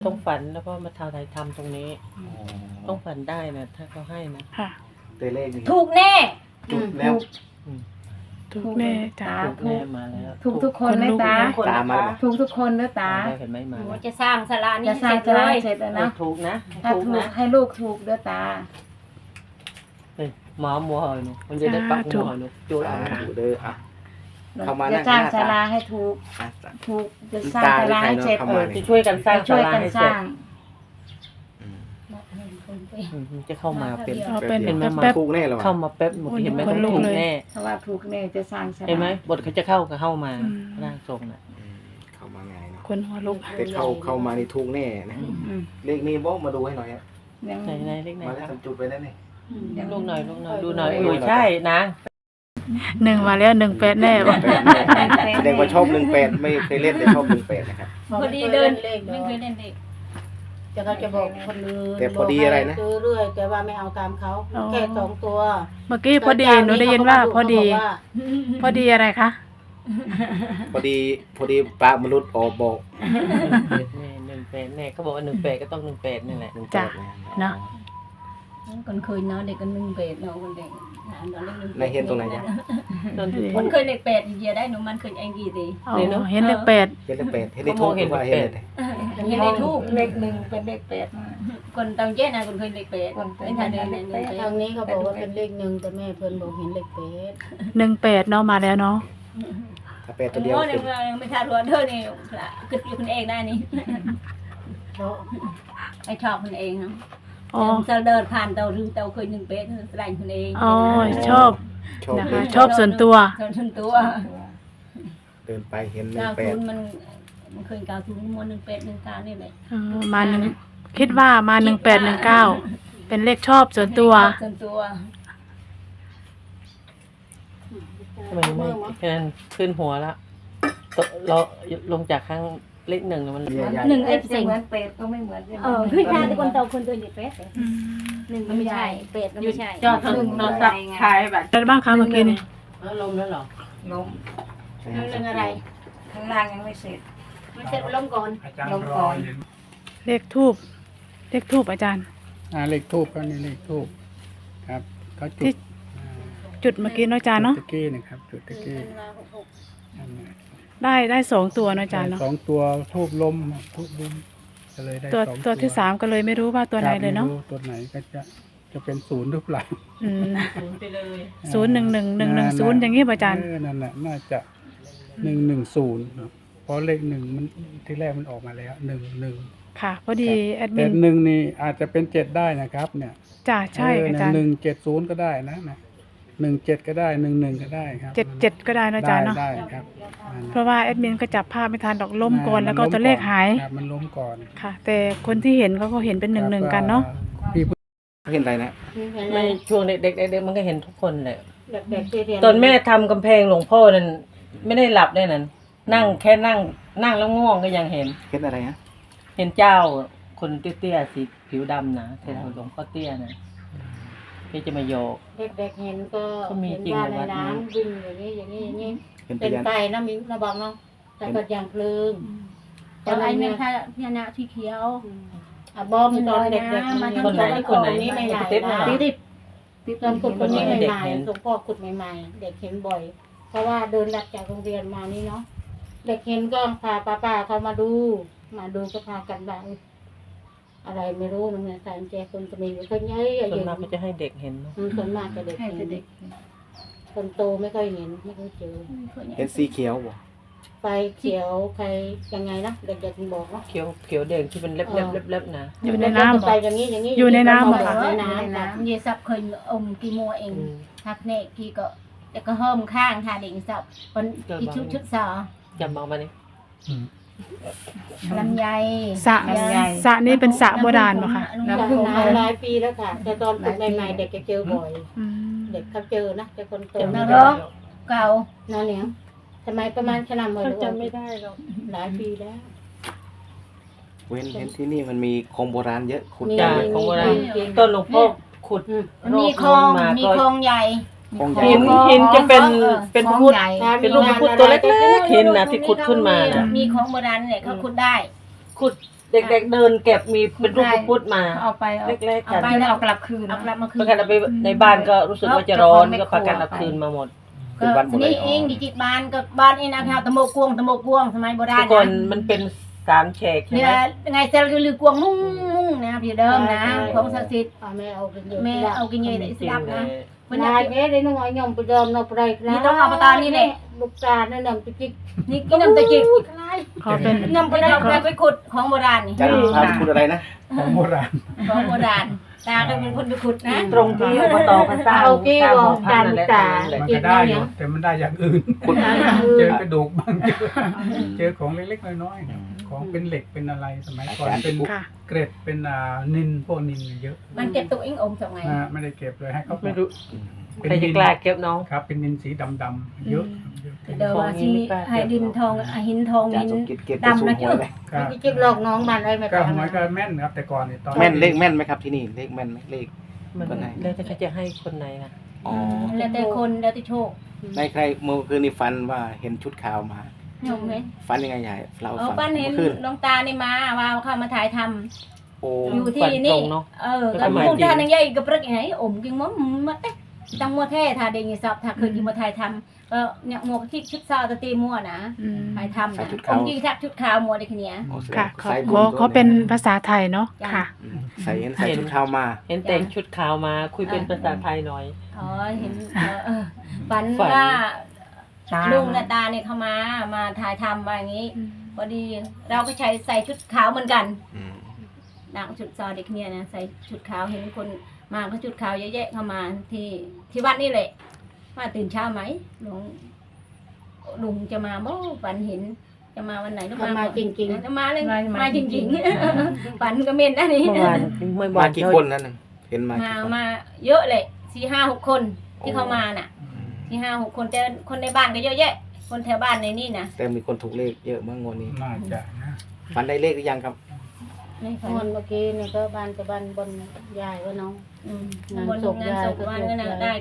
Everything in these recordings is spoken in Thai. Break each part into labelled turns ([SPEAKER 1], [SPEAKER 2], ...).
[SPEAKER 1] ต้องฝันแล้วก็มาทายทำตรงนี้ ต้องฝันได้นะถ้าเขาให้นะ
[SPEAKER 2] ค่ะ
[SPEAKER 3] ตัวเลขนี่
[SPEAKER 4] ถูกแน่
[SPEAKER 3] จุดแล้ว
[SPEAKER 2] ถูกแน่จ้า
[SPEAKER 1] ถูกแน่มาแล้ว
[SPEAKER 5] ถูกทุกคนไหมตา
[SPEAKER 3] ตามมาแล้ว
[SPEAKER 5] ถูกทุกคนนะตา
[SPEAKER 1] ได้เห็นไหมมา
[SPEAKER 4] หนู
[SPEAKER 1] แล้ว
[SPEAKER 4] จะสร้างศาลานี้
[SPEAKER 5] จะสร้างจะได้เสร็จแล้วนะ
[SPEAKER 1] ถูกนะ
[SPEAKER 5] ถ้า
[SPEAKER 1] ถูก
[SPEAKER 5] ถูก
[SPEAKER 1] นะ
[SPEAKER 5] ให้ลูกถูกด้วยตา
[SPEAKER 1] เฮ้ยหมอมัวหอยหนูมันจะได้ปักมัวหอยหนูจูดเอา
[SPEAKER 3] ถูกเด้ออ่ะ เข้ามานั่
[SPEAKER 5] จะ
[SPEAKER 3] ง
[SPEAKER 5] สร้าง
[SPEAKER 3] หน้าตา
[SPEAKER 5] ศาลาให้ถูก
[SPEAKER 3] อ่ะ
[SPEAKER 5] ถูกจะสร้างศาลาให้เสร็จ
[SPEAKER 3] เข้ามา
[SPEAKER 1] จะช่วยกันสร้าง
[SPEAKER 5] ช่วย
[SPEAKER 1] ศาลา
[SPEAKER 5] กัน
[SPEAKER 1] ให้
[SPEAKER 5] ส
[SPEAKER 1] เสร็
[SPEAKER 5] ร้า
[SPEAKER 1] จ
[SPEAKER 5] ง
[SPEAKER 1] จะเข้ามาเป็น
[SPEAKER 2] เอาเป็น
[SPEAKER 1] เห็นไหม
[SPEAKER 2] แป๊บ
[SPEAKER 3] ถูกแน่หรอ
[SPEAKER 1] เข้ามาแป๊บหมดเห็นไหม
[SPEAKER 2] คนลุก
[SPEAKER 1] ถูก
[SPEAKER 2] เลย
[SPEAKER 1] แน่
[SPEAKER 5] เพราะว่าถูกแน่จะสร้างศาลา
[SPEAKER 1] เห็นไหมบทเขาจะเข้าก็เข้ามา
[SPEAKER 2] อืม
[SPEAKER 1] ร่างทรงน่ะ
[SPEAKER 3] เข้ามาไงเนาะ
[SPEAKER 2] คนหัวลุก
[SPEAKER 3] แต่เข้ามานี่ถูกแน่นะ
[SPEAKER 5] อืม
[SPEAKER 3] เลขนี้บอกมาดูให้หน่อยครับ
[SPEAKER 5] ยัง
[SPEAKER 1] ไหนไหนเลขไหน
[SPEAKER 3] มาแล้ว
[SPEAKER 1] ครับ
[SPEAKER 3] ทำจุดไปแล้วนี่
[SPEAKER 5] ยัง
[SPEAKER 1] ลูกหน่อยลูกหน่อยดูหน่อยเออใช่นะ
[SPEAKER 2] หนึ่งมาแล้ว18แน่บอก
[SPEAKER 3] แสดงว่าชอบ18ไม่เคยเล่นแต่ชอบ18นะครับ
[SPEAKER 4] พอดีเดินไม่เคยเล่นเด็ก
[SPEAKER 6] จะเขาจะบอกคนอื่น
[SPEAKER 3] แต่พอดีอะไรนะ
[SPEAKER 6] บกให้ซื้อเรื่อยแต่ว่าไม่เอาตามเขาแค่2 ตัว
[SPEAKER 2] เมื่อกี้พอดีหนูได้ยินว่าพอดี พอดีอะไรคะ
[SPEAKER 3] พอดีปลามนุษย์ออกบอก
[SPEAKER 1] 18แน่เขาบอกว่า18ก็ต้อง18นี่แหละ
[SPEAKER 2] จ้ะ เนาะ
[SPEAKER 4] คนเคยเนาะเด็กกัน1 เป็ดเนาะคนเด็ก
[SPEAKER 3] ในเห็นตรงไหนเนี่ย
[SPEAKER 4] คนเคยเด็กเป็ดเยียได้หนูมันเคยเองกี่ที
[SPEAKER 2] อ๋อเห็นเลข8
[SPEAKER 3] เห็นเลข8เห็นเลขทูบหรือว่าเห็นอะไร
[SPEAKER 4] เห็นในทูบ
[SPEAKER 5] เลขหนึ่งเป็นเลขแปดมา
[SPEAKER 4] คนตองเจ๊นะคนเคยเด็กเป็ดเป็นทางเดินเดิน
[SPEAKER 6] ทางนี้เขาบอกว่าเป็นเลข1แต่แม่เพิ่นบอกเห็นเลข8
[SPEAKER 2] 18เนาะมาแล้วเนาะ
[SPEAKER 3] ถ้า8ตัวเดียว
[SPEAKER 4] โอ้
[SPEAKER 3] เป็น
[SPEAKER 4] ยไม่ทารัวเธอนี่คืออยู่คนเองได้นี่
[SPEAKER 6] เพราะ
[SPEAKER 4] ไอชอบคนเองเนาะ
[SPEAKER 2] อ๋อ
[SPEAKER 4] จะเดินผ่านเตาหรือเตาเคย1 เป็ดแสดงคนเอง
[SPEAKER 2] อ๋อชอบ
[SPEAKER 3] ชอบ
[SPEAKER 2] นะ
[SPEAKER 3] เล
[SPEAKER 2] คะ
[SPEAKER 3] ย
[SPEAKER 2] ชอบส่วนตัว
[SPEAKER 4] ส่วนตัว
[SPEAKER 3] เดินไปเห็น
[SPEAKER 4] 90มันเคย90มัน1 เป็ด1 9นี่แหละ
[SPEAKER 2] มาหนึ่งคิดว่ามา1819เป็นเลขชอบส่วนตัว
[SPEAKER 4] ส่วนตัว
[SPEAKER 1] ทำไมไม่แค่นั้นขึ้นหัวแล้วเราลงจากข้างเลขหนึ่งมัน
[SPEAKER 4] หนึ่ง
[SPEAKER 5] เล
[SPEAKER 4] เอ
[SPEAKER 5] ข
[SPEAKER 4] ฟ
[SPEAKER 5] เหมือนเป็ดก็ไม่เหมือน
[SPEAKER 4] คือชาติคนโตคนตัวเด็กเป็ดหนึ่งก็ไม่ใช่เป็ดก็ไม่ใช่
[SPEAKER 1] จอดหนึ่งนอนสับขายแบบ
[SPEAKER 2] อะไรบ้างคะเมื่อกี้นี่
[SPEAKER 1] แล้วลมแล้วหรอ
[SPEAKER 5] ล้ม
[SPEAKER 4] หนึ่งอะไร
[SPEAKER 5] ข้างล่างยังไม่เสร็จ
[SPEAKER 4] มันเสร็จล้มก่อน
[SPEAKER 5] ลงก่อน
[SPEAKER 2] เลขทูบอาจารย์
[SPEAKER 7] เลขทูบก็นี่เลขทูบครับเขาจุ
[SPEAKER 2] ที่
[SPEAKER 7] ด
[SPEAKER 2] จุดเมื่อกี้เนาะอาจารย์เนาะ
[SPEAKER 7] จุดตะกี้นะครับจุดตะกี้นั่นแหละ
[SPEAKER 2] ได้2ตัวเนาะอาจารย์เนาะ
[SPEAKER 7] สองตัวทูบล้มก็เลยได้
[SPEAKER 2] ตัว
[SPEAKER 7] สอง
[SPEAKER 2] ตัวที่3ก็เลยไม่รู้ว่าตัวไหนเลยเนาะ
[SPEAKER 7] ไม่รู้ตัวไหนก็จะเป็นศูนย์หรือเปล่า
[SPEAKER 1] ไปเลย
[SPEAKER 2] 011110อย่างงี้ป่ะอาจารย์
[SPEAKER 7] นั่นแหละน่าจะ110ครับเพราะเลข1มันที่แรกมันออกมาแล้ว11
[SPEAKER 2] ค่ะพอดีแอดมิ
[SPEAKER 7] แต่
[SPEAKER 2] น
[SPEAKER 7] 1นี่อาจจะเป็น7ได้นะครับเนี่ย
[SPEAKER 2] จ้าใช่อาจารย์
[SPEAKER 7] 170ก็ได้นะ17ก็ได้11ก็ได้ครับ
[SPEAKER 2] 77ก็ได้เนาะอาจารย์เนาะ
[SPEAKER 7] ได้ครับนั่น
[SPEAKER 2] เพราะว่าแอดมินก็จับภาพไม่ทันดอกล้มก่อนแล้วก็ตัวเลขหาย
[SPEAKER 7] ครับมันล้มก่อน
[SPEAKER 2] ค่ะ แต่คนที่เห็นเขาก็เห็นเป็น11กันเนาะ
[SPEAKER 7] พี่ผู้
[SPEAKER 3] เห็นอะไรนะ
[SPEAKER 1] ไม่ช่วงเด็กๆมันก็เห็นทุกคนแหละ
[SPEAKER 6] เด็กๆที่เรียน
[SPEAKER 1] ตอนแม่ทำกำแพงหลวงพ่อนั่นไม่ได้หลับได้นั่นนั่งแค่นั่งแล้วง่วงก็ยังเห็น
[SPEAKER 3] เห็นอะไรฮะ
[SPEAKER 1] เห็นเจ้าคนเตี้ยๆสีผิวดำนะแถวหลวงพ่อเตี้ยนะที่จะมาโยก
[SPEAKER 6] เด็กๆเห็นก็
[SPEAKER 1] เขามี
[SPEAKER 6] เห็น
[SPEAKER 1] จริง
[SPEAKER 6] ว่า
[SPEAKER 1] ใน
[SPEAKER 6] ใน
[SPEAKER 1] วัดนี้
[SPEAKER 6] น้ำวิ่งอย่างนี้
[SPEAKER 3] เห็นพ
[SPEAKER 6] เป็น
[SPEAKER 3] ยาน
[SPEAKER 6] ไฟนะมิ้นระบังเนาะแต่ก็อย่างเพลิง
[SPEAKER 4] ตอนไอ้เนี่ยถ้าพญานาคที่เขียว
[SPEAKER 6] บอมตอนเด็กๆมันยัง
[SPEAKER 1] คนไหน
[SPEAKER 6] ตอนนี้ใหม่ๆ
[SPEAKER 1] ติ๊บ
[SPEAKER 6] นะ
[SPEAKER 1] น่ะ
[SPEAKER 5] ติ๊บ
[SPEAKER 6] ตอนขุดคนนี้
[SPEAKER 1] เด็ก
[SPEAKER 6] ใหม่
[SPEAKER 1] เห็น
[SPEAKER 6] ๆหลวงพ่อขุดใหม่ๆ เด็กเห็นบ่อย เพราะว่าเดินหลักจากโรงเรียนมานี่เนาะเด็กเห็นก็พาป้าๆเขามาดูก็พากันบ้างอะไรไม่รู้นะเนี่ยสารแจคนจะมีก็เยอะ
[SPEAKER 1] ส่วน
[SPEAKER 6] เย
[SPEAKER 1] มากก็
[SPEAKER 6] อะ
[SPEAKER 1] จะให้เด็กเห็นเนอะ
[SPEAKER 6] ส่วนมากจะเด็ก
[SPEAKER 5] ให้
[SPEAKER 6] เห็น
[SPEAKER 5] เด็ก
[SPEAKER 6] คนโตไม่ค่อยเห็นไม่ค่อยเจอ
[SPEAKER 3] เห็นสีเขียวบ่
[SPEAKER 6] ไฟเขียวใครยังไงนะเด็กๆบอกเนาะ
[SPEAKER 1] เขียวแดงที่เป็นเล็บๆนะ
[SPEAKER 2] อยู่ในน้ำ
[SPEAKER 6] ไปอย่างนี้อย่างนี้
[SPEAKER 2] อยู่ในน้ำเหรอ
[SPEAKER 6] ในน้ำจ้ะ
[SPEAKER 4] เยซับเคยอมกี่มัวเองทักเนกกี่ก็แต่ก็เฮิมข้างทาเด็กสับคนกี่ชุดสอ
[SPEAKER 1] จำเอามานี่
[SPEAKER 4] ลำไย
[SPEAKER 2] สระนี่เป็นสระโบราณป่ะคะ
[SPEAKER 6] จากของมาหลายปีแล้วค่ะแต่ตอนฝึกใหม่ๆเด็กจะเจอบ่อย
[SPEAKER 2] อืม
[SPEAKER 6] เด็กเขาเจอนะแต่คนโต
[SPEAKER 4] น
[SPEAKER 6] ไม่
[SPEAKER 4] ร
[SPEAKER 6] ได้
[SPEAKER 4] กเก่า
[SPEAKER 6] นั่นเนี่ยทำไมประมาณขนาดหมด
[SPEAKER 1] จำไม่ได้หรอก
[SPEAKER 6] หลายปีแล้ว
[SPEAKER 3] เว้นเห็นที่นี่มันมีของโบราณเยอะขุด
[SPEAKER 1] จ้า
[SPEAKER 3] เยอะ
[SPEAKER 1] ของโบราณต้นหลวงพ่อขุด
[SPEAKER 4] มีคลองมีคลองใหญ่
[SPEAKER 3] ของใหญ่
[SPEAKER 1] หินจะเป็นพุทธ
[SPEAKER 5] ใหญ่
[SPEAKER 1] เป็นรูปพระพุทธตัวเล็กๆหินนะที่ขุดขึ้นมานะ
[SPEAKER 4] มีของโบราณเนี่ยเขาขุดได้
[SPEAKER 1] ขุดเด็กๆเดินเก็บมีเป็นรูปพระพุทธมา
[SPEAKER 4] เอาไปเอา
[SPEAKER 1] เล็กๆ
[SPEAKER 4] เอา
[SPEAKER 1] กัน
[SPEAKER 4] ไปแล้วเอากลับคืน
[SPEAKER 5] เอากลับมาคื
[SPEAKER 1] ป
[SPEAKER 5] น
[SPEAKER 1] ระกันเอาไปในบ้านก็รู้สึกว่าจะร้อนก็พากันเอาคืนมาหมด
[SPEAKER 3] คือบ้านหมดเลย
[SPEAKER 4] นี่เองดิจิตบ้านกับบ้านเองนะคะตะโมกวงสมัยโบรา
[SPEAKER 1] ทุ
[SPEAKER 4] ณ
[SPEAKER 1] กคน
[SPEAKER 4] นะ
[SPEAKER 1] มันเป็น3แฉกใช่
[SPEAKER 4] เนี่
[SPEAKER 1] ไห
[SPEAKER 4] ย
[SPEAKER 1] ม
[SPEAKER 4] ไงเซลล์ลือกวงมุ่งนะพี่เดิมนะของศักดิ์สิทธิ์
[SPEAKER 6] แม่เอากินเยอะ
[SPEAKER 4] แม่เอากินเยอะได้สดับนะ
[SPEAKER 6] มันนายแม่ได้น้อยยอมไปเดิมเราไปได้
[SPEAKER 4] นี่ต้องเอาไปตอนนี้แหละ
[SPEAKER 6] ลูกตาเนี่ยนำไปจิก
[SPEAKER 4] นี่กินน้ำตะจิก
[SPEAKER 2] เขาเป็น
[SPEAKER 4] นำไปได้ไปขุดของโบราณนี่
[SPEAKER 3] จานชาพูดอะไรนะ
[SPEAKER 7] ของโบราณ
[SPEAKER 4] ของโบราณตาก็เป็นคนไปขุดนะ
[SPEAKER 1] ตรงที่อบตกันสร้าง
[SPEAKER 6] เอากี้
[SPEAKER 1] สร้าง
[SPEAKER 6] บ
[SPEAKER 1] ห
[SPEAKER 6] อ
[SPEAKER 1] อก พั
[SPEAKER 6] ตาน ม
[SPEAKER 1] นั่นแหละ
[SPEAKER 6] ตา
[SPEAKER 1] นั่นแหละ
[SPEAKER 7] มันก็ได้อยู่แต่มันได้อย่างอื่น
[SPEAKER 3] คุณ
[SPEAKER 7] เจอกระดูกบ้างเจอของเล็กๆน้อยๆของเป็นเหล็กเป็นอะไรสมัยก่อนเป็น
[SPEAKER 2] ค่ะ
[SPEAKER 7] เกร็ดเป็นนินพวกนินเยอะ
[SPEAKER 4] มันเก็บตัวเองอมจากไง
[SPEAKER 7] ไม่ได้เก็บเลยให้เขา
[SPEAKER 1] ไม่รู้
[SPEAKER 7] เป็น
[SPEAKER 1] ใครจะ
[SPEAKER 7] นิน
[SPEAKER 1] กล้าเก็บน้อง
[SPEAKER 7] ครับเป็นนินสีดำๆเยอะเยอะ
[SPEAKER 4] เดี๋ยวว่าสิให้ดินทองหินทอง
[SPEAKER 3] จาน
[SPEAKER 4] หิน
[SPEAKER 3] สมกิจเก็บไปสูงหัวเลย
[SPEAKER 7] ครับ
[SPEAKER 6] จิกหลอกน้องบ้านได้ไหม
[SPEAKER 7] ก็หวยก็แม่นครับแต่ก่อนเนี่ยตอน
[SPEAKER 3] แม่นเลขแม่นไหมครับที่นี่เลขแม่นไหมเลข
[SPEAKER 1] มัน
[SPEAKER 3] คนไหน
[SPEAKER 1] แล้วแต่เขาจะให้คนไหนนะ
[SPEAKER 3] อ๋อ
[SPEAKER 4] แล้วแต่คนแล้วแต่โชค
[SPEAKER 3] ในใครเมื่อคืนนี้ฝันว่าเห็นชุดขาวมา
[SPEAKER 4] โยมไหม
[SPEAKER 3] ฝันยังไงยายเรา
[SPEAKER 4] เอา
[SPEAKER 3] ฝัน
[SPEAKER 4] ปั้นเห็น
[SPEAKER 3] เมื่อคืน
[SPEAKER 4] น้องตานี่มาว่าเข้ามาถ่ายทำ
[SPEAKER 3] โอ้
[SPEAKER 4] อยู่ที่
[SPEAKER 1] ฝันตร
[SPEAKER 4] นี่
[SPEAKER 1] งเนาะ
[SPEAKER 4] ก็มุ่งท่านังใหญ่กับรึกไงอมกินมั้งมาเต๊ะจังมัวแท้ทาเดงสอบถ้าเคยกินมาถ่ายทำก็เนี่ยมัวที่ชุดซาวตะตีมัวนะ
[SPEAKER 2] อืม
[SPEAKER 4] ถ่ายทำนะอมกินทักชุดขาวมัวได้แค่เนี้ย
[SPEAKER 3] โอ้แสดง
[SPEAKER 2] ค่ะ
[SPEAKER 3] สายบุญ
[SPEAKER 2] เขาเป็นภาษาไทยเนาะค่ะ
[SPEAKER 3] ใส่ใส่ชุดขาวมา
[SPEAKER 1] เห็นแต่งชุดขาวมาคุยเป็นภาษาไทยหน่อย
[SPEAKER 4] อ๋อเห็นฝัน
[SPEAKER 1] ฝัน
[SPEAKER 4] ว่าลุงและตาเนี่ยเขามาถ่ายทำมาอย่างนี้พอดีเราก็ใส่ชุดขาวเหมือนกัน
[SPEAKER 3] อืม
[SPEAKER 4] ดังชุดซอเด็กเนี่ยนะใส่ชุดขาวเห็นคนมาก็ชุดขาวเยอะแยะเข้ามาที่วัดนี่แหละว่าตื่นเช้าไหมลุงจะมาบ่ฝันเห็นจะมาวันไหนหรือ
[SPEAKER 6] มาจริง
[SPEAKER 4] จะมาเลยมาจริงๆฝันก็เม่นนะนี่
[SPEAKER 1] เมื่อวานไม่บอ
[SPEAKER 3] มาก กี่คนนั่นน่ะเห็นมากี่คน
[SPEAKER 4] มาเยอะเลย4-5-6 คนที่เขามาน่ะ4-5-6 คนแต่คนในบ้านก็เยอะแยะ คนแถวบ้านในนี่นะ
[SPEAKER 3] แต่มีคนถูกเลขเยอะมากงวดนี้
[SPEAKER 7] น่าจะนะ
[SPEAKER 3] ฝันได้เลขหรือยังครับ
[SPEAKER 4] ใน
[SPEAKER 6] ๆ
[SPEAKER 4] ฝั
[SPEAKER 6] คน
[SPEAKER 4] น
[SPEAKER 6] เมื่อกี้นี่ก็บ้านจะบ้านบนยายว่าน้อง
[SPEAKER 4] บนงานศพวันก็ได้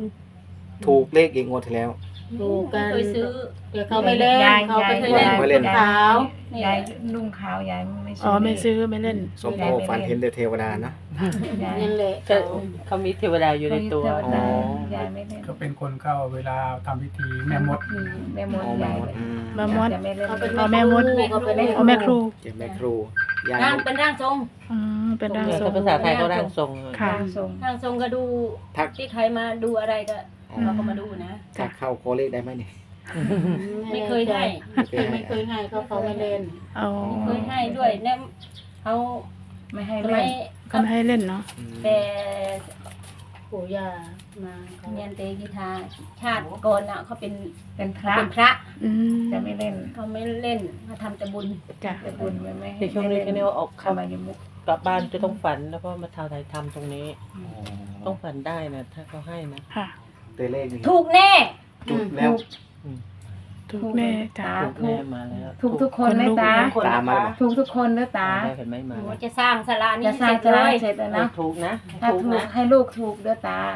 [SPEAKER 4] 90
[SPEAKER 3] ถูกเลขอีกงวดที่แล้ว
[SPEAKER 6] ดูกัน
[SPEAKER 4] เคยซื้อ
[SPEAKER 6] แต่เขาไม่เล่นเขาไป
[SPEAKER 3] ไม่เล่น
[SPEAKER 6] ขาว
[SPEAKER 4] นี่
[SPEAKER 5] ยายนุ่งขาวยายไม่
[SPEAKER 2] อ๋อไม่ซื้อไม่เล่น
[SPEAKER 3] สมโภชฝันเห็นแต่เทวดานะ
[SPEAKER 5] ยาย
[SPEAKER 6] นั่นแหละ
[SPEAKER 1] ก็เขามีเทวดาอยู่ในตัว
[SPEAKER 3] อ๋อ
[SPEAKER 5] ยายไม่เล่น
[SPEAKER 7] ก็เป็นคนเข้าเวลาทำพิธีแม่มด
[SPEAKER 5] แม่มด
[SPEAKER 3] อ๋อแม่
[SPEAKER 5] ยาย
[SPEAKER 3] มดอืม
[SPEAKER 2] แม่มด
[SPEAKER 5] จะไม่เล่น
[SPEAKER 6] เขาเป็น
[SPEAKER 2] อ๋อแม่มด
[SPEAKER 6] เขาเป็น
[SPEAKER 2] อ๋อแม่ครู
[SPEAKER 3] เจ็บแม่ครูยาย
[SPEAKER 4] ร่างเป็นร่างทรง
[SPEAKER 2] อืมเป็นร่างทร
[SPEAKER 1] แต่
[SPEAKER 2] ง
[SPEAKER 1] ภาษาไทยก็ร่างทรง
[SPEAKER 2] ค่ะ
[SPEAKER 5] ร่างทรง
[SPEAKER 4] ร่างทรงก็ดู
[SPEAKER 3] ทัก
[SPEAKER 4] ที่ใครมาดูอะไรก็เราก็มาดูนะ
[SPEAKER 3] ถ้าเข้าโคเลขได้ไหมเนี่ย
[SPEAKER 4] ไม่เคยให้
[SPEAKER 6] ไม่เคยให้เขาไม่เล่น
[SPEAKER 2] อ๋อ
[SPEAKER 4] เคยให้ด้วยเนี่ยเขา
[SPEAKER 5] ไม่ให้
[SPEAKER 4] ทำไม
[SPEAKER 5] เล่น
[SPEAKER 2] ก็ไม่ให้เล่นเนาะ
[SPEAKER 4] แต่
[SPEAKER 6] ปู่ย่ามาเขา
[SPEAKER 4] เนียนเตกีทาชาติก่อนน่ะเขาเป็น
[SPEAKER 5] เป็นพระ
[SPEAKER 4] พระ
[SPEAKER 2] อืม
[SPEAKER 5] จะไม่เล่น
[SPEAKER 4] เขาไม่เล่นเขาทำแต่บุญ
[SPEAKER 2] จ้ะ
[SPEAKER 5] จะบุญไม่
[SPEAKER 1] ในช่วงนี้ก็เนี่ยออก
[SPEAKER 5] เข้ามาอยู่มุก
[SPEAKER 1] กลับบ้านจะต้องฝันแล้วก็มาทำไทยทำตรงนี้ ต้องฝันได้นะถ้าเขาให้นะ
[SPEAKER 2] ค่ะ
[SPEAKER 3] แต่เลขนี่
[SPEAKER 4] ถูกแน่
[SPEAKER 3] จุดแล้ว
[SPEAKER 2] ถูกแน่จ้ะ
[SPEAKER 1] ถูกแม่มาแล้ว
[SPEAKER 5] ถูกทุกคนไหมตา
[SPEAKER 3] ตามมาแล้ว
[SPEAKER 5] ถูกทุกคนเด้อตา
[SPEAKER 1] ได้เห็นไหมมา
[SPEAKER 4] หนู
[SPEAKER 1] แล้ว
[SPEAKER 4] จะสร้างศาลานี้
[SPEAKER 5] จะสร้าง
[SPEAKER 4] เสร็จ
[SPEAKER 5] จะ
[SPEAKER 4] เล
[SPEAKER 5] ได้
[SPEAKER 4] ย
[SPEAKER 5] เสร็จแล้วนะ
[SPEAKER 1] ถูกนะ
[SPEAKER 5] ถ้า
[SPEAKER 1] ถูก
[SPEAKER 5] ถูก
[SPEAKER 1] นะ
[SPEAKER 5] ให้ลูกถูกเด้อตา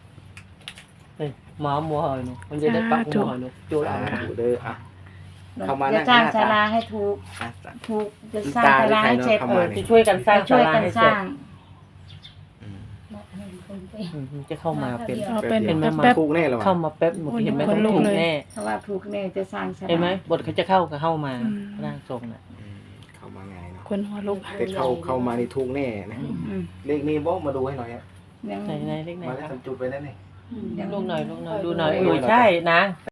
[SPEAKER 1] หมอมัวหอยหนูมันจะได้ปักหัวหอยหนูจูด
[SPEAKER 3] อ่า
[SPEAKER 1] เอา
[SPEAKER 3] ดูเด้ออ่ะ เข้ามานั่
[SPEAKER 5] จะ
[SPEAKER 3] ง
[SPEAKER 5] สร้าง
[SPEAKER 3] หน้า
[SPEAKER 5] ศา
[SPEAKER 3] ตา
[SPEAKER 5] ลาให้ถูก
[SPEAKER 3] อ่ะ
[SPEAKER 5] ถูกจะสร้างศาลาให้เสร็จ
[SPEAKER 3] เข้ามาเนี่ย
[SPEAKER 1] จะช่วยกันสร้าง
[SPEAKER 5] ช่วย
[SPEAKER 1] ศาลา
[SPEAKER 5] กัน
[SPEAKER 1] ให้
[SPEAKER 5] ส
[SPEAKER 1] เสร็จ
[SPEAKER 5] ร้าง
[SPEAKER 3] อืม
[SPEAKER 1] จะเข้ามาเป็น
[SPEAKER 2] เอาเป็น
[SPEAKER 1] เห็นไหม
[SPEAKER 2] แป๊บ
[SPEAKER 3] ถูกแน่เหรอ
[SPEAKER 1] เข้ามาแป๊บหมดเห็นไหม
[SPEAKER 2] คนลุก
[SPEAKER 1] ถูก
[SPEAKER 2] เลย
[SPEAKER 1] แน่
[SPEAKER 5] ถ้าว่าถูกแน่จะสร้างศาลา
[SPEAKER 1] เห็นไหมบทเขาจะเข้าก็เข้ามา
[SPEAKER 2] อืม
[SPEAKER 1] ร่างทรงน่ะ
[SPEAKER 3] อืมเข้ามาไงเนาะ
[SPEAKER 2] คนหัวลุก
[SPEAKER 3] แต่เข้ามานี่ถูกแน่นะ
[SPEAKER 5] อืม
[SPEAKER 3] เลขนี้บอกมาดูให้หน่อยอะ
[SPEAKER 5] ยัง
[SPEAKER 1] ไหนเล็กไหน
[SPEAKER 3] มาแล้ว
[SPEAKER 1] ครับ
[SPEAKER 3] จุดไปนั่นนี่
[SPEAKER 1] ลูกหน่อยดูหน่อยใช่นะ